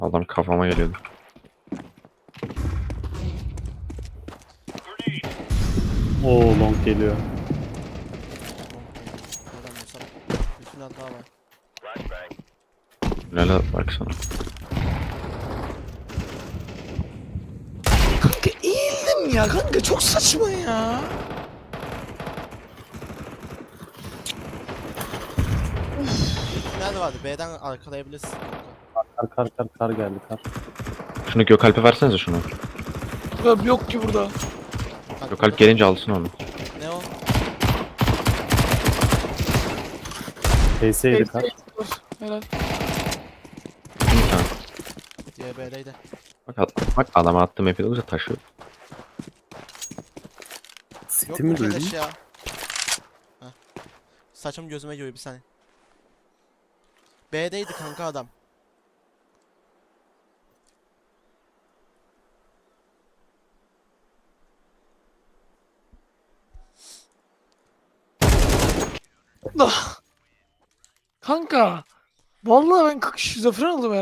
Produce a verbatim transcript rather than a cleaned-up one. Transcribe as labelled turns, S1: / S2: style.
S1: Adam kafama geliyordu.
S2: Oo long geliyor.
S3: Neden Musab? Bütün hata var.
S1: Tünele bak sana.
S4: Kanka eğildim ya kanka, çok saçma ya.
S3: Nerede vardı? B'den arkalayabilirsin kanka.
S2: Kar kar kar kar geldi kar.
S1: Şunu Gökalp'e versenize şunu.
S4: Kanka yok ki burada.
S3: Bak
S1: Gökalp
S3: burada.
S1: gelince alsın onu.
S3: Ne o?
S2: P S yedi kar.
S4: Helal.
S1: Bir tane.
S3: Diye B'deydi.
S1: Bak, ad- bak adama attığım F dokuz'a taşı.
S3: Yok
S2: City mi
S3: bu
S2: duydun?
S3: keleş ya. Heh. Saçım gözüme giriyor bir saniye. B'deydi kanka adam.
S4: Ah. Kanka. Vallahi ben şizofren oldum ya.